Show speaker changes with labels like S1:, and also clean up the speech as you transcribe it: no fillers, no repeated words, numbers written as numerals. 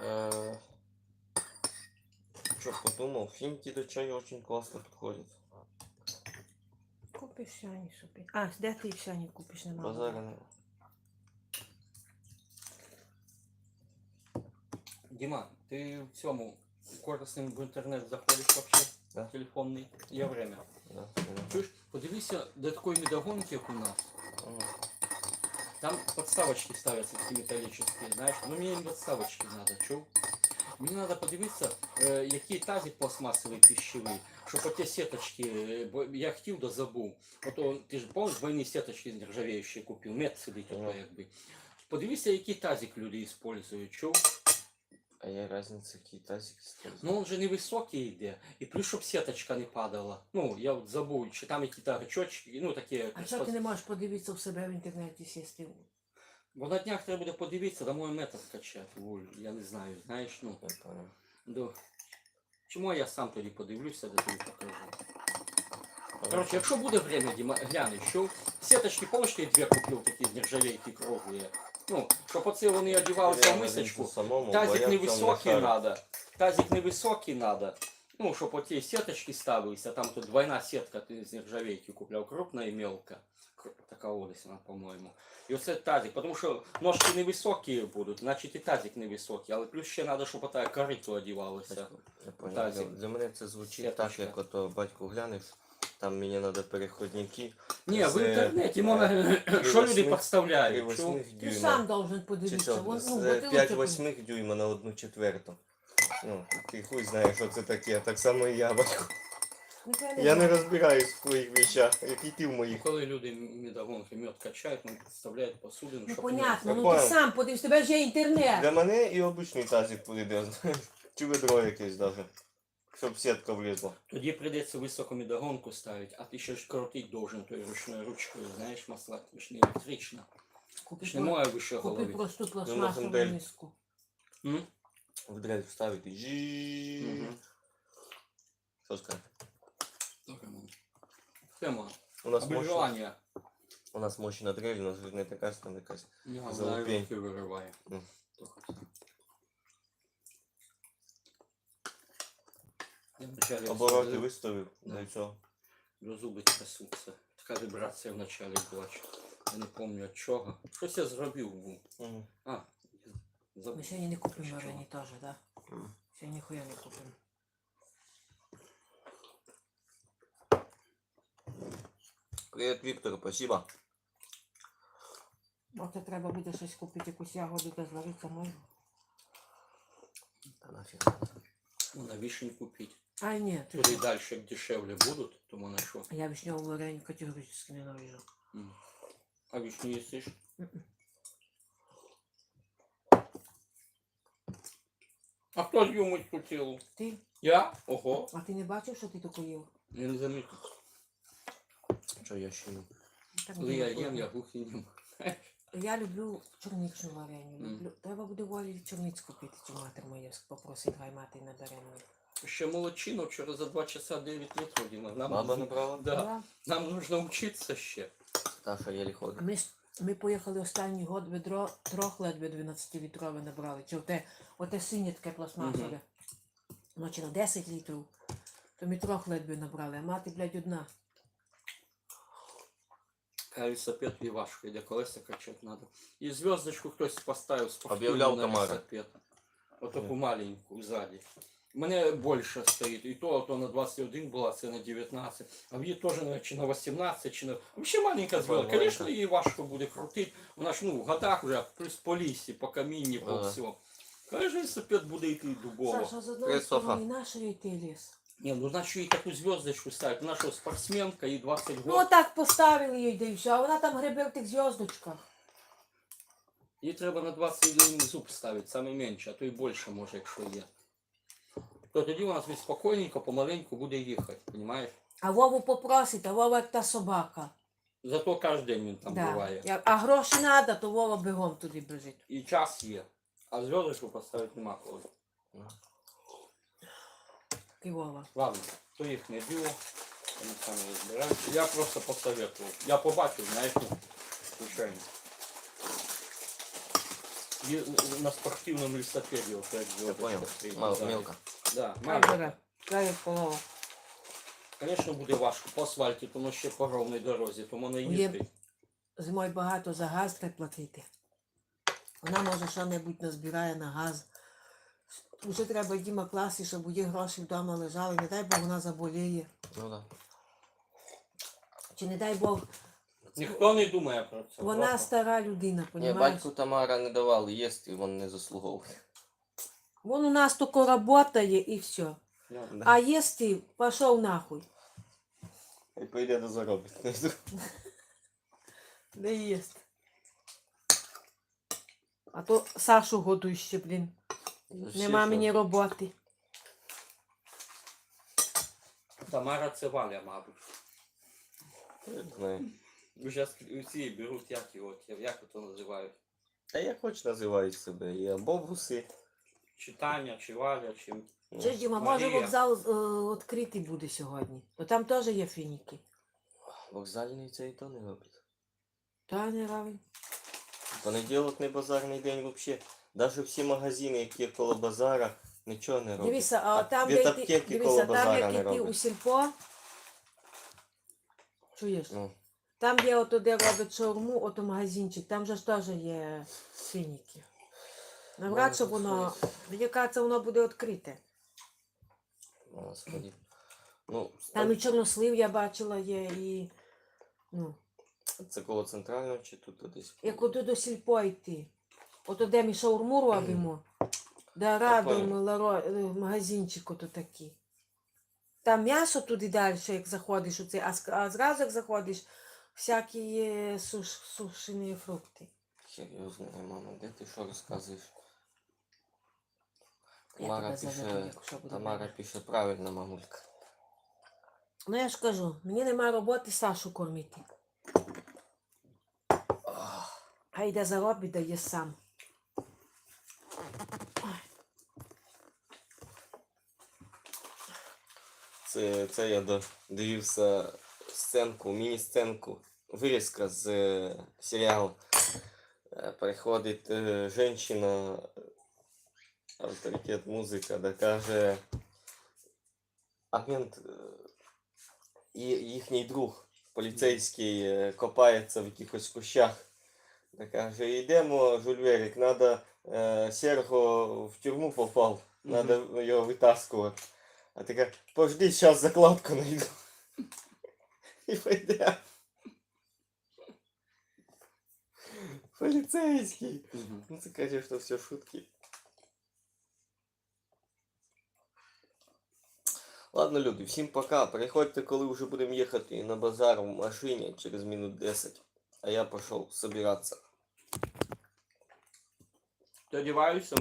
S1: Что подумал, финики до чая очень классно подходят.
S2: Купиш сяні собі. А, де ти сяні купиш, нема?
S1: Базара.
S3: Дима, ты в цьому корисним в інтернет заходиш вообще?
S1: Да.
S3: Телефонний? Є время.
S1: Да.
S3: Чуєш, подивися, до такої медогонки, як у нас. Там подставочки ставятся такие металлические, знаешь. Ну мне не подставочки надо, чув? Мені треба подивитися, який тазик пластмасовий пищевий, щоб оті сеточки, бо я хотів да забув. Ото, ти ж пам'ятаєш, двойні сеточки нержавіючі купив, мед сидить ото якби. Подивися, який тазик люди використовують, чув?
S1: А є різниця, який тазик стоїть?
S3: Ну він же невисокий йде, і плюс, щоб сеточка не падала. Ну, я от забув, чи там якісь гачочки, ну такі...
S2: А чого ти не можеш подивитися в себе в інтернеті сісти?
S3: Бо на днях треба буде подивитися, да мой метод качати, я не знаю, знаєш, ну.
S1: Я понял.
S3: Да. Чому я сам тоді подивлюся, де тобі покажу. Короче, якщо буде время, Діма, глянь, що сеточки, помниш, я дві купив такі з нержавейки круглі. Ну, щоб оце вони одівалися в мисочку. Тазик невисокий надо. Тазик невисокий надо. Ну, щоб оці сеточки ставилися, там тут двойна сетка, ти з нержавейки купляв, крупна і мелка. Така ось вона, по-моєму. І оце тазик, тому що ножки невисокі будуть, значить і тазик невисокий, але плюс ще треба, щоб ота корито одівалося.
S1: Я понял. Для мене це звучить так, як ото батьку глянеш, там мені треба переходники.
S3: Ні, в інтернеті можна, що люди підставляють.
S2: Ти сам должен подивитися.
S1: З 5/8 дюйма на 1/4. Ну, ти хуй знаєш, що це таке, так само і я, батько. Я не розбираюсь в твоїх вещах, як і ти в моїх.
S3: Коли люди медогонки мед качають, вони підставляють посудину,
S2: Ну
S3: щоб...
S2: понятно, ну ти сам подивись, тебе ж є інтернет.
S1: Для мене і обичний тазик піде, знаєш. Чи ведро якесь даже. Щоб сітка влізла.
S3: Тоді прийдеться високу медогонку ставити, а ти ще ж крутити должен тою ручною ручкою, знаєш, масла, ти ж не електрична. Ти ж не моє вище голови.
S2: Купи просту пластмасову миску.
S1: В дрель вставити. Жіііі. Що скажеш?
S3: Тема.
S1: У нас
S3: Обмежування.
S1: У нас мощна дрель, у нас не така, там якась
S3: Я
S1: залупень.
S3: руки вириває.
S1: Обороти виставив, для цього.
S3: До зуби трясуться. Така вібрація вначалі була. Я не пам'ятаю від чого. Щось я зробив був. А, забув.
S2: Ми сьогодні не купимо варені теж, так? Сьогодні ніхуя не купимо.
S1: Привіт, Віктор, спасибо.
S2: Оце треба буде щось купити, якусь ягоду, де звариться можна.
S1: Та нафіг.
S3: Ну, на вишні купити.
S2: А ні, ти
S3: Туди далі як дешевле будуть, тому на що?
S2: я вишневу вареню категорично ненавижу.
S3: А вишню їсиш? А хто з'їв миску цілу?
S2: Ти?
S3: Я? Ого.
S2: А ти не бачив, що ти таку їв?
S3: Я не замітив.
S1: Що я ще не?
S2: Так
S3: Коли я
S2: дуже
S3: їм, я
S2: вкусно.
S3: глухий нім.
S2: Я люблю чорничну вареню. Люблю. Треба буде волі чорниць купити, чи матер моя попросить, хай мати на даремно.
S3: Ще молодчину, вчора за 2 часа 9 літрів, Діма.
S1: Баба набрала?
S3: Да. Нам нужно вчитися ще.
S1: Таша єлі ходить.
S2: Ми поїхали останній год, ведро трьох ледве 12-літрове набрали. Чи оте синє таке пластмасове. Ночі на 10 літрів. То ми трьох ледве набрали, а мати, блядь, одна.
S3: Велосипед і важко, йде колеса качати треба. І зв'язочку хтось поставив спортивну
S1: Об'являв
S3: на
S1: Тамара.
S3: велосипед. Отаку маленьку ззаді. У мене більше стоїть. І то на 21 була, це на 19. А в її теж чи на 18, чи на... Взагалі маленька зв'язка. Звісно, її важко буде крутити. Вона ж, ну, в годах вже плюс по лісі, по камінні, по всьому. Каже, велосипед буде йти дубово.
S2: Саша, з одної сторони нашої йти ліс.
S3: Ні, ну значить їй таку зв'язочку ставити. Вона що, спортсменка, їй 20 років.
S2: Ну отак поставили їй, да і все, а вона там гребе в тих зв'язочках.
S3: Їй треба на 21 зуб ставити, саме менше, а то і більше може, якщо є. То тоді вона собі спокійненько, помаленьку буде їхати, розумієш?
S2: А Вову попросить, а Вова як та собака.
S3: Зато кожен день він там буває.
S2: А гроші треба, то Вова бігом туди біжить.
S3: І час є. А зв'язочку поставити нема коли.
S2: І Вова.
S3: Ладно, то їх не діло, вони самі розбираються. Я просто посоветував. Я побачив, знаєш, ну, звичайно. на спортивном велосипеде. Вот, как
S1: Я понял.
S3: звездочка
S1: Мало,
S3: сзади.
S1: мелко.
S3: Да,
S2: Хай
S3: маленько.
S2: бере. Дай полову.
S3: Конечно, буде важко по асфальті, тому ще по ровній дорозі, тому не
S2: Є-
S3: їздить.
S2: Зимою багато за газ треба платити. Вона може що-небудь назбирає на газ. Уже треба Діма класти, щоб у її гроші вдома лежали. Не дай Бог вона заболіє.
S1: Ну да.
S2: Чи не дай Бог,
S3: Ніхто не думає про це.
S2: вона
S3: просто.
S2: стара людина,
S1: Ні,
S2: понімаєш?
S1: батьку Тамара не давали їсти, він не заслуговує.
S2: Вон у нас тільки працює і все.
S3: Ну,
S1: Да.
S2: А їсти пішов нахуй.
S1: І прийде до заробить.
S2: Не їсть. А то Сашу годуй ще, блін. Нема мені роботи.
S3: Тамара це Валя, мабуть.
S1: Знаю.
S3: Вже усі беруть, як це називають?
S1: Та я хоч називаю себе. І або вуси.
S3: Чи Таня, чи Валя, чи...
S2: Чи ж, Діма, може
S3: Марія.
S2: вокзал відкритий буде сьогодні? То там теж є фініки.
S1: Вокзальний це і то не робить.
S2: Та не равень.
S1: Понеділок не базарний день взагалі. Навіть всі магазини, які коло базара, нічого не роблять.
S2: Дивися, а там,
S1: від
S2: де
S1: аптеки
S2: йти,
S1: коло
S2: дивися, там,
S1: базара
S2: як
S1: не
S2: іти у
S1: роблять.
S2: сільпо, чуєш?
S1: Ну,
S2: Там, де ото, де роблять шаурму, ото магазинчик, там же ж теж є фініки. Навряд, що воно, мені кажеться, воно буде відкрите.
S1: Господи. Ну,
S2: Там і чорнослив я бачила є, і, ну,
S1: це коло центрального чи тут десь?
S2: як ото до сільпо йти. Ото де ми шаурму робимо, де радом магазинчик ото такий. Там м'ясо туди далі, як заходиш, оце, а зразу як заходиш, всякі є сушені фрукти.
S1: Хер його знає, мама, де ти що розказуєш?
S2: Я
S1: Тамара
S2: тебе заведу,
S1: пише,
S2: якщо буде
S1: Тамара
S2: время.
S1: пише правильно, мамулька.
S2: Ну я ж кажу, мені немає роботи Сашу кормити. А йде заробить, дає сам.
S1: Це я дивився сценку, міні-сценку, вирізка з серіалу. Приходить жінка, авторитет музика, да каже, а мент і їхній друг поліцейський копається в якихось кущах. Да каже, йдемо, Жульверик, надо, Серго в тюрму попав, надо його витаскувати. А ти каже, пожди, зараз закладку найду. І пойде. Поліцейський. Ну це, конечно, все шутки. Ладно, люди, всім пока. Приходьте, коли вже будемо їхати на базар в машині через минут 10. А я пішов собиратися.
S3: Одіваюся.